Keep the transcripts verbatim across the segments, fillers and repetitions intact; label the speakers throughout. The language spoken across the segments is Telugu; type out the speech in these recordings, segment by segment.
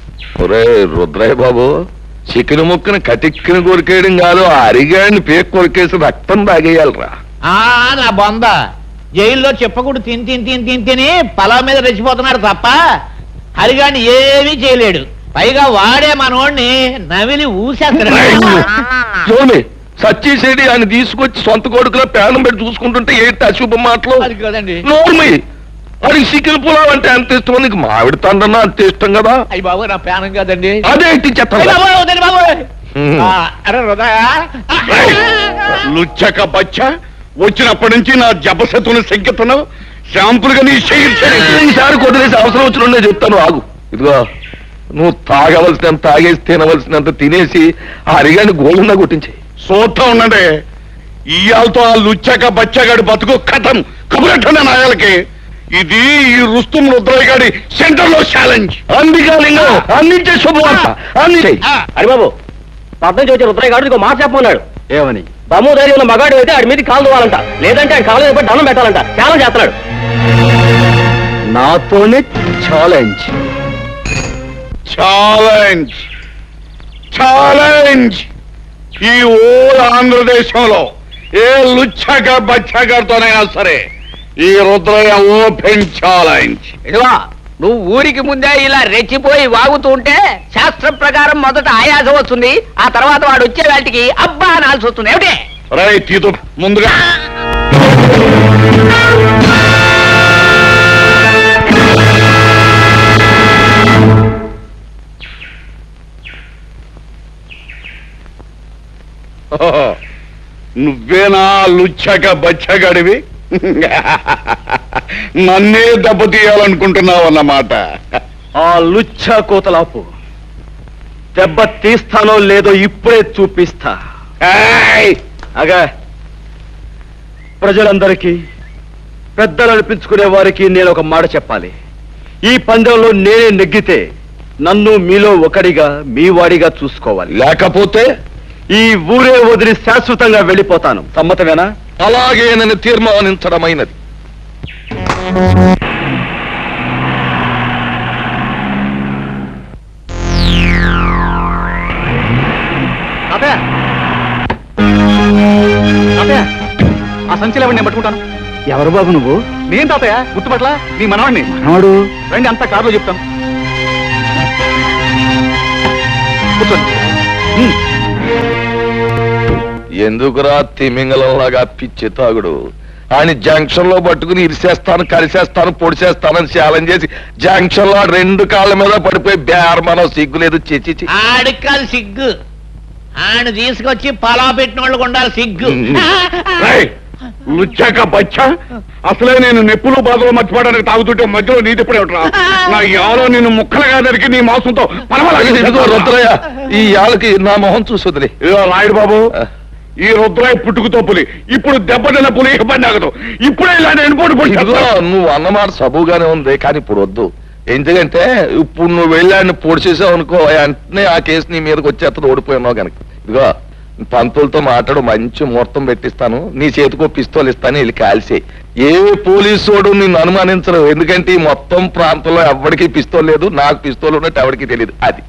Speaker 1: ఒరే రుద్రయ్య బాబు, చికెన్ ముక్కను కటిక్కిన కొరికేయడం కాదు, అరిగాడిని పేక్ కొరికేసి రక్తం తాగేయాలరా.
Speaker 2: ఆ నా బొంద జైల్లో చెప్పకూడదు తిని తిని తిని తిని తిని పొలం మీద రెచ్చిపోతున్నాడు తప్ప హరిగాడిని ఏమీ చేయలేడు. పైగా వాడే మనోడిని నవిలి ఊసేస్తాడు.
Speaker 1: సచ్చేసేది ఆయన తీసుకొచ్చి సొంత కొడుకులో పేనం పెట్టి చూసుకుంటుంటే ఏంటి అశుభం మాటలు?
Speaker 2: అది కదండి.
Speaker 1: నోర్మి వాడికి చికెన్ పులావ్ అంటే అంత ఇష్టం, నీకు మామిడి తండ్రన్నా అంత ఇష్టం కదా.
Speaker 2: అయ్యి బాబు నా పేనం కదండి.
Speaker 1: అదేంటి చెత్త
Speaker 3: లుచ్చక బచ్చ, వచ్చినప్పటి నుంచి నా జపశతుని సంకెత్తనావు. శాంపుల్ గా నీ
Speaker 1: ఈసారి కొద్దిలేసి అవసరం వచ్చిన చెప్తాను, ఆగు. ఇదిగో నువ్వు తాగవలసినంత తాగేసి తినవలసినంత తినేసి ఆ అరిగాని గోళ్ళున్నా కొట్టించే.
Speaker 3: సోతా ఉండండి. ఇయాలతో ఆ లుచ్చక బచ్చగాడి బతుకు కథం కబురెట్టండి నాయాలకి. ఇది ఈ రుస్తుం రుద్రయ్య గారి సెంటర్ లో ఛాలెంజ్.
Speaker 1: అందుకే అందించే శుభవార్త అందించే.
Speaker 4: హరిబాబు, పద్నం చూసి రుద్రయ్య గారు ఇంకో మాట చెప్పమన్నాడు.
Speaker 1: ఏమని?
Speaker 4: బమ్ము ధైర్యం ఉన్న మగాడు అయితే ఆడి మీద కాలు దువ్వాలంట, లేదంటే ఆయన కాలు మీద దండం పెట్టాలంట. ఛాలెంజ్ చేస్తున్నాడు.
Speaker 1: నాతోనే ఛాలెంజ్
Speaker 3: ఛాలెంజ్ ఛాలెంజ్ ఈ ఓల్ ఆంధ్రదేశంలో ఏ లుచ్చక బచ్చగారితోనైనా సరే ఈ రుద్రయ్య ఓపెన్ ఛాలెంజ్.
Speaker 2: ఇదిగో నువ్వు ఊరికి ముందే ఇలా రెచ్చిపోయి వాగుతూ ఉంటే శాస్త్రం ప్రకారం మొదట ఆయాసం వస్తుంది, ఆ తర్వాత వాడు వచ్చే వాటికి అబ్బా అనాల్సి వస్తుంది. ఏమిటి
Speaker 3: రై తీతు ముందుగా నువ్వేనా లుచ్చక బచ్చగడివి? నన్నే దెబ్బతీయాలనుకుంటున్నావు అన్నమాట.
Speaker 4: ఆ లుచ్చ కోతలాపు దెబ్బ తీస్తానో లేదో ఇప్పుడే చూపిస్తా. అగా ప్రజలందరికీ, పెద్దలు అనిపించుకునే వారికి నేను ఒక మాట చెప్పాలి. ఈ పందెంలో నేనే నెగ్గితే నన్ను మీలో ఒకడిగా మీ వాడిగా చూసుకోవాలి,
Speaker 1: లేకపోతే
Speaker 4: ఈ ఊరే వదిలి శాశ్వతంగా వెళ్ళిపోతాను. సమ్మతమేనా?
Speaker 1: అలాగే నన్ను తీర్మానించడమైనది.
Speaker 4: ఆ సంచిలో నేను పట్టుకుంటాను.
Speaker 5: ఎవరు బాబు నువ్వు?
Speaker 4: నేను తాతయ్య, గుర్తుపట్ల నీ మనవాడిని.
Speaker 5: మనవాడు?
Speaker 4: రండి, అంతా కారులో చెప్తాను. కూర్చోండి.
Speaker 1: ఎందుకురా తిమింగలంలాగా పిచ్చి తాగుడు? ఆయన జంక్షన్ లో పట్టుకుని ఇరిసేస్తాను, కలిసేస్తాను, పొడిసేస్తానని ఛాలెంజ్ చేసి జంక్షన్ లో రెండు కాళ్ళ మీద పడిపోయి బేరమనో సిగ్గులేదు. చిచి
Speaker 2: ఆడికి కాదు సిగ్గు, ఆయన తీసుకొచ్చి పలా పెట్టిన వాళ్ళకు ఉండాలి సిగ్గు.
Speaker 3: లుచ్చక బచ్చ, అసలే నేను నెప్పులు బాధలు మర్చిపోవడానికి తాగుతుంటే మధ్యలో నీ తిప్పుడే ఉంటా. నా యాలో నిన్ను ముక్కలుగా దరికి నీ మాంసంతో
Speaker 1: రుద్రయ్య, ఈ యాళ్ళకి నా మొహం చూసొదిలే.
Speaker 3: రాయుడు బాబు, ఈ రుద్రయ్య పుట్టుకుతో పులి, ఇప్పుడు దెబ్బతిన్న పులి ఇబ్బంది ఆగదు. ఇప్పుడే ఇలా నేను పోటీ పొడి.
Speaker 1: నువ్వు అన్నమాట సబుగానే ఉంది, కానీ ఇప్పుడు వద్దు. ఎందుకంటే ఇప్పుడు నువ్వు వెళ్ళాన్ని పొడిచేసావు అనుకో, వెంటనే ఆ కేసు నీ మీదకి వచ్చేస్తుంది, ఓడిపోయినావు కనుక. ఇదిగో పంతులతో మాట్లాడు, మంచి ముహూర్తం పెట్టిస్తాను, నీ చేతికో పిస్తోల్ ఇస్తాను, వెళ్ళి కాల్సే. ఏ పోలీసోడు నిన్ను అనుమానించరు, ఎందుకంటే ఈ మొత్తం ప్రాంతంలో ఎవరికి పిస్తోల్ లేదు, నాకు పిస్తోల్ ఉన్నట్టు ఎవరికి తెలియదు. అది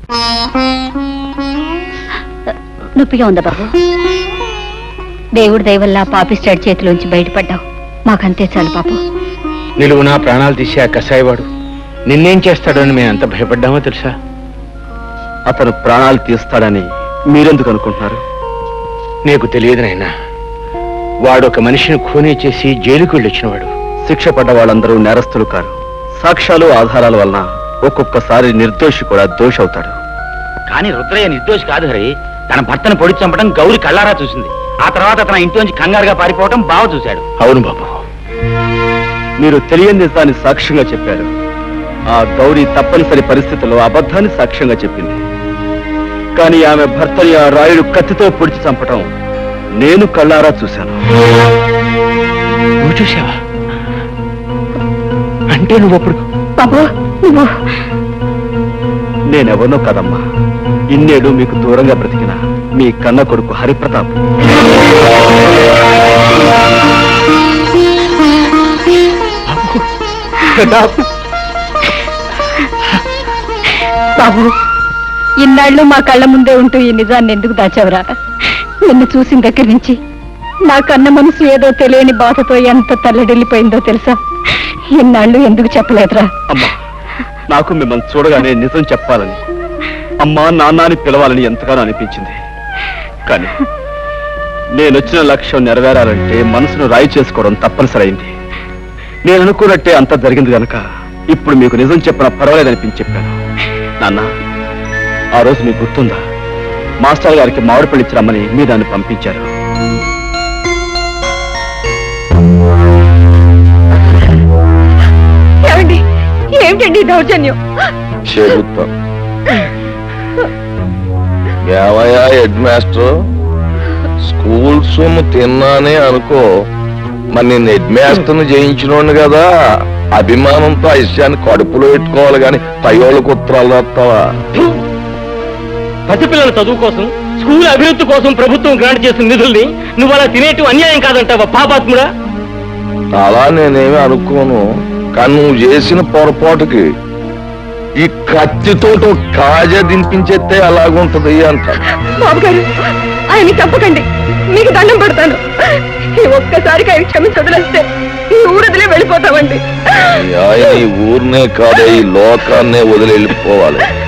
Speaker 6: నొప్పిగా ఉందా బాబు? దేవుడి దయవల్ల పాపిస్టాడ్ చేతిలోంచి బయటపడ్డావు, మాకంతే చాలు పాపం.
Speaker 5: నిలువు నా ప్రాణాలు తీసే ఆ కసాయివాడు నిన్నేం చేస్తాడో అని మేము ఎంత భయపడ్డామో తెలుసా?
Speaker 4: అతను ప్రాణాలు తీస్తాడని మీరెందుకు అనుకుంటున్నారు?
Speaker 5: నీకు తెలియదు నాయనా, వాడు ఒక మనిషిని ఖూనీ చేసి జైలుకు వెళ్ళొచ్చినవాడు.
Speaker 4: శిక్ష పడ్డ వాళ్ళందరూ నేరస్తులు కారు. సాక్ష్యాలు ఆధారాల వలన ఒక్కొక్కసారి నిర్దోషి కూడా దోషి అవుతాడు.
Speaker 7: కానీ రుద్రయ్య నిర్దోషి కాదు హరి. తన భర్తను పొడి చంపడం గౌరి కళ్ళారా చూసింది. ఆ తర్వాత తన ఇంట్లోంచి కంగారుగా పారిపోవడం బావ చూశాడు.
Speaker 5: అవును బాబు,
Speaker 4: మీరు తెలియని నిజాన్ని సాక్ష్యంగా చెప్పారు. ఆ గౌరీ తప్పనిసరి పరిస్థితుల్లో అబద్ధాన్ని సాక్ష్యంగా చెప్పింది. కానీ ఆమె భర్తని ఆ రాయుడు కత్తితో పొడిచి చంపటం నేను కళ్ళారా చూశాను.
Speaker 5: నువ్వు చూసావా? అంటే నువ్వు అప్పుడు
Speaker 6: బాబు నువ్వు
Speaker 4: నేనెవనో కదమ్మా, ఇన్నేడు మీకు దూరంగా బ్రతికిన మీ కన్న కొడుకు హరిప్రతాప్.
Speaker 6: బాబు ఇన్నాళ్ళు మా కళ్ళ ముందే ఉంటూ ఈ నిజాన్ని ఎందుకు దాచావురా? నిన్ను చూసిన దగ్గర నుంచి నా కన్న మనసు ఏదో తెలియని బాధతో ఎంత తల్లడిల్లిపోయిందో తెలుసా? ఇన్నాళ్ళు ఎందుకు చెప్పలేదురా?
Speaker 4: అమ్మా, నాకు మిమ్మల్ని చూడగానే నిజం చెప్పాలని, అమ్మా నాన్న అని పిలవాలని ఎంతగానో అనిపించింది. కానీ నేను వచ్చిన లక్ష్యం నెరవేరాలంటే మనసును రాయి చేసుకోవడం తప్పనిసరి అయింది. నేను అనుకున్నట్టే అంతా జరిగింది కనుక ఇప్పుడు మీకు నిజం చెప్పిన పర్వాలేదనిపించి చెప్పాను. నాన్న, ఆ రోజు మీకు గుర్తుందా? మాస్టర్ గారికి మామిడి పళ్ళు ఇచ్చి రమ్మని మీ దాన్ని పంపించారు.
Speaker 6: ఏమండి, ఏమిటండి దౌర్జన్యం?
Speaker 1: చెబుతా. ఏమయ్యా హెడ్ మాస్టర్, స్కూల్ సొమ్ము తిన్నానే అనుకో, మరి నేను హెడ్ మాస్టర్ని జయించినోండి కదా, అభిమానంతో ఆ విషయాన్ని కడుపులో పెట్టుకోవాలి కానీ పయోళ్ళకు ఉత్తరాలు రాస్తావా?
Speaker 5: పసిపిల్లల చదువు కోసం, స్కూల్ అభివృద్ధి కోసం ప్రభుత్వం గ్రాంట్ చేసిన నిధుల్ని నువ్వు అలా తినేటు అన్యాయం కాదంటావా పాపాత్ముడా?
Speaker 1: అలా నేనేమి అనుకోను, కానీ నువ్వు చేసిన పొరపాటుకి ఈ కత్తితో కాజా దింపించేస్తే అలాగుంటది అంట.
Speaker 6: బాబు గారు, ఆయన చంపకండి, మీకు దండం పడతాను. ఈ ఒక్కసారికి ఆయన క్షమించి వదిలేస్తే ఈ ఊరదిలే వెళ్ళిపోతామండి.
Speaker 1: ఈ ఆయన ఈ ఊరినే కాదు, ఈ లోకాన్నే వదిలి వెళ్ళిపోవాలి.